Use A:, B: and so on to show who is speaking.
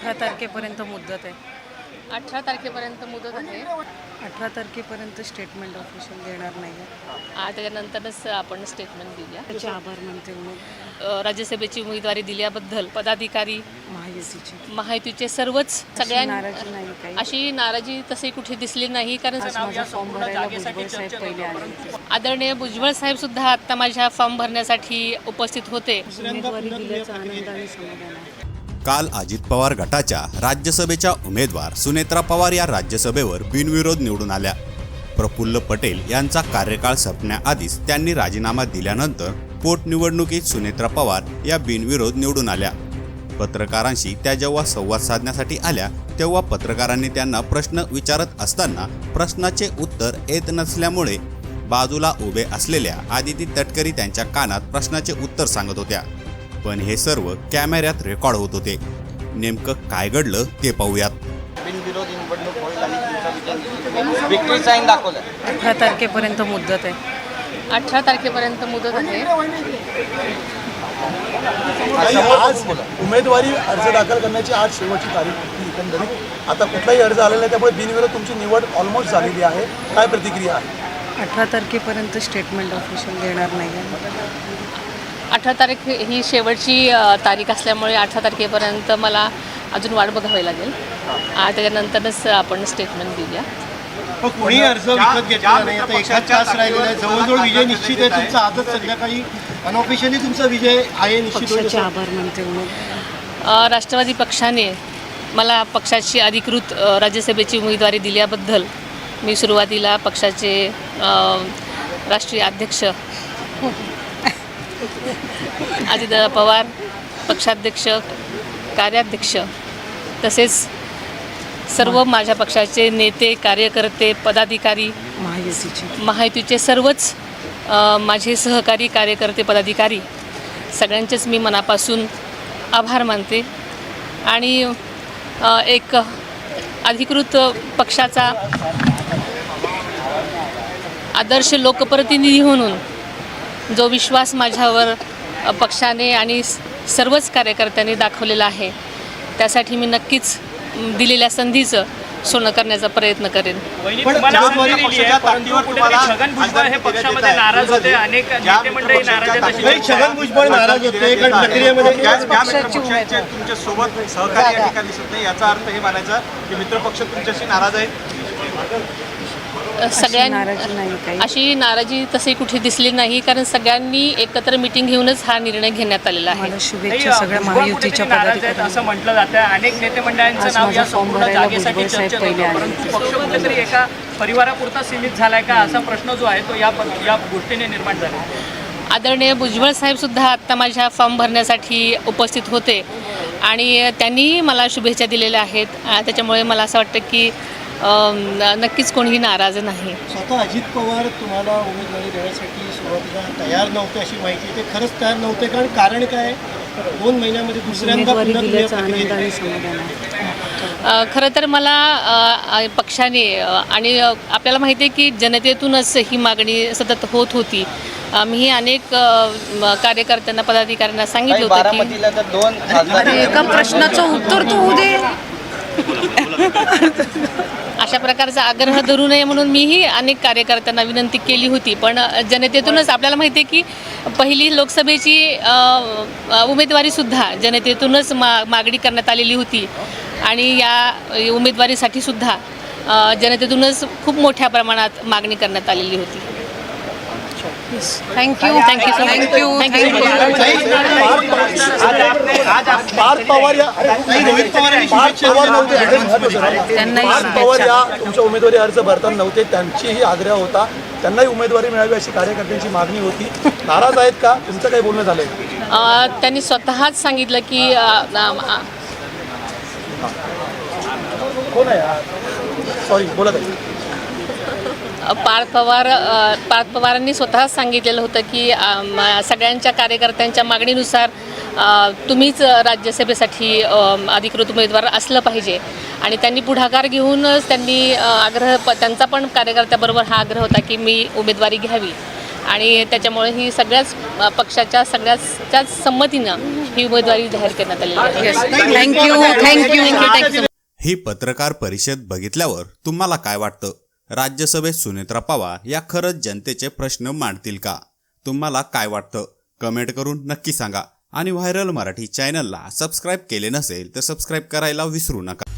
A: 18 तारखेपर्यंत मुदत आहे.
B: 18 तारखेपर्यंत मुदत आहे.
A: 18 तारखेपर्यंत स्टेटमेंट ऑफिशियल देणार नाही आहे.
B: त्याच्यानंतरच आपण स्टेटमेंट देऊया.
A: त्याचे आभार मानते
B: राज्यसभेची उमेदवारी दिल्याबद्दल पदाधिकारी महायुतीचे सर्वच
A: नाराजी नाही काही.
B: अशी नाराजी तशी कुठे दिसली नाही, कारण
A: माझा फॉर्म भरायला भुजबळ साहेब पहिले आले होते.
B: आदरणीय भुजबळ साहेब सुद्धा आता माझ्या फॉर्म भरण्यासाठी उपस्थित होते.
A: उमेदवारी दिल्याचा आनंद आणि समाधान आहे.
C: काल अजित पवार गटाच्या राज्यसभेच्या उमेदवार सुनेत्रा पवार या राज्यसभेवर बिनविरोध निवडून आल्या. प्रफुल्ल पटेल यांचा कार्यकाळ संपण्याआधीच त्यांनी राजीनामा दिल्यानंतर पोटनिवडणुकीत सुनेत्रा पवार या बिनविरोध निवडून आल्या. पत्रकारांशी त्या जेव्हा संवाद साधण्यासाठी आल्या तेव्हा पत्रकारांनी त्यांना प्रश्न विचारत असताना प्रश्नाचे उत्तर येत नसल्यामुळे बाजूला उभे असलेल्या आदिती तटकरी त्यांच्या कानात प्रश्नाचे उत्तर सांगत होत्या. पण हे सर्व कॅमेऱ्यात रेकॉर्ड होत होते. नेमकं काय घडलं ते पाहूयात.
D: बिनविरोध निवडणूक होईल आणि तुमचा विक्ट्री साईन दाखवलं.
A: 18 तारखेपर्यंत मुदत आहे.
B: 18 तारखेपर्यंत मुदत आहे.
E: आज उमेदवारी अर्ज दाखल करण्याची आज शेवटची तारीख होती एकंदरीत. आता कुठलाही अर्ज आलेला नाही, त्यामुळे बिनविरोध तुमची निवड ऑलमोस्ट झालेली आहे. काय प्रतिक्रिया आहे?
A: 18 तारखेपर्यंत स्टेटमेंट ऑफिशियल देणार नाही आहे.
B: 18 तारीख ही शेवटची तारीख असल्यामुळे 18 तारखेपर्यंत मला अजून वाट बघावी लागेल. त्याच्यानंतरच आपण स्टेटमेंट देऊया.
F: कोणी अर्ज विकत घेतला नाही. आता एकाच तास राहिलेला आहे. जवळजवळ विजय निश्चित आहे तुमचा. आजच संध्याकाळी अनऑफिशियली तुमचा विजय आहे निश्चित.
A: पक्षाचे आभार मानते.
B: राष्ट्रवादी पक्षाने मला पक्षाची अधिकृत राज्यसभेची उमेदवारी दिल्याबद्दल मी सुरुवातीला पक्षाचे राष्ट्रीय अध्यक्ष अजितदादा पवार, पक्षाध्यक्ष, कार्याध्यक्ष तसेच सर्व माझ्या पक्षाचे नेते, कार्यकर्ते, पदाधिकारी, महायुतीचे सर्वच माझे सहकारी, कार्यकर्ते, पदाधिकारी सगळ्यांचेच मी मनापासून आभार मानते. आणि एक अधिकृत पक्षाचा आदर्श लोकप्रतिनिधी म्हणून जो विश्वास माझ्यावर पक्षाने आणि सर्वच कार्यकर्त्यांनी दाखवलेला आहे, त्यासाठी मी नक्कीच दिलेल्या संधीचं सोनं करण्याचा प्रयत्न करेन.
G: छगन भुजबळ हे पक्षामध्ये नाराज होते. अनेक नेते मंडळी नाराज आहेत.
F: छगन भुजबळ नाराज होते.
D: तुमच्या सोबत सहकारी या ठिकाणी दिसत नाही. याचा अर्थ हे मानायचा की मित्रपक्ष तुमच्याशी नाराज आहेत.
B: अशी नाराजी तशी कुठे दिसली नाही, कारण सगळ्यांनी एकत्र मिटिंग घेऊनच हा निर्णय घेण्यात आलेला आहे.
A: शुभेच्छा सगळ्या महायुतीच्या पदाधिकाऱ्यांना.
G: असं म्हटलं जातं. अनेक नेते मंडळांचं नाव या संपूर्ण जागेसाठी चर्चेत होतं, परंतु पक्ष कुठेतरी एका परिवारापुरता सीमित झालाय का असा प्रश्न जो आहे तो या गोष्टीने निर्माण झाला.
B: आदरणीय भुजबळ साहेब सुद्धा आता माझ्या फॉर्म भरण्यासाठी उपस्थित होते आणि त्यांनी मला शुभेच्छा दिलेल्या आहेत. त्याच्यामुळे मला असं वाटतं की नक्कीच कोणीही नाराज नाही.
F: स्वतः अजित पवार तुम्हाला उमेदवारी देण्यासाठी सुरुवातीला तयार नव्हते अशी माहिती. ते खरंच तयार नव्हते, कारण काय 2 महिन्यामध्ये दुसऱ्यांदा
A: दिल्याचा आनंद आणि समाधान आहे.
B: खरं तर मला पक्षाने आणि आपल्याला माहिती आहे की जनतेतूनच ही मागणी सतत होत होती. मी अनेक कार्यकर्त्यांना, पदाधिकाऱ्यांना सांगितलं होतं की
A: एका प्रश्नाचं उत्तर तू दे.
B: अशा प्रकारचा आग्रह धरू नये म्हणून मीही अनेक कार्यकर्त्यांना विनंती केली होती. पण जनतेतूनच आपल्याला माहिती आहे की पहिली लोकसभेची उमेदवारीसुद्धा जनतेतूनच मागणी करण्यात आलेली होती आणि या उमेदवारीसाठी सुद्धा जनतेतूनच खूप मोठ्या प्रमाणात मागणी करण्यात आलेली होती.
A: थँक्यू.
E: पवार या तुमच्या उमेदवारी अर्ज भरताना नव्हते, त्यांचीही आग्रह होता. त्यांनाही उमेदवारी मिळावी अशी कार्यकर्त्यांची मागणी होती. नाराज आहेत का? तुमचं काही बोलणं झालंय?
B: त्यांनी स्वतःच सांगितलं की
E: कोण आहे? सॉरी, बोलत आहे.
B: पार्थ पवारांनी स्वतःच सांगितलेलं होतं की सगळ्यांच्या कार्यकर्त्यांच्या मागणीनुसार तुम्हीच राज्यसभेसाठी अधिकृत उमेदवार असलं पाहिजे आणि त्यांनी पुढाकार घेऊनच त्यांनी त्यांचा पण कार्यकर्त्याबरोबर हा आग्रह होता की मी उमेदवारी घ्यावी आणि त्याच्यामुळे ही सगळ्याच पक्षाच्या सगळ्याच संमतीनं ही उमेदवारी जाहीर करण्यात आलेली आहे.
A: थँक्यू.
C: ही पत्रकार परिषद बघितल्यावर तुम्हाला काय वाटतं? राज्यसभेत सुनेत्रा पवार या खरंच जनतेचे प्रश्न मांडतील का? तुम्हाला काय वाटतं? कमेंट करून नक्की सांगा. आणि व्हायरल मराठी चॅनलला सबस्क्राईब केले नसेल तर सबस्क्राईब करायला विसरू नका.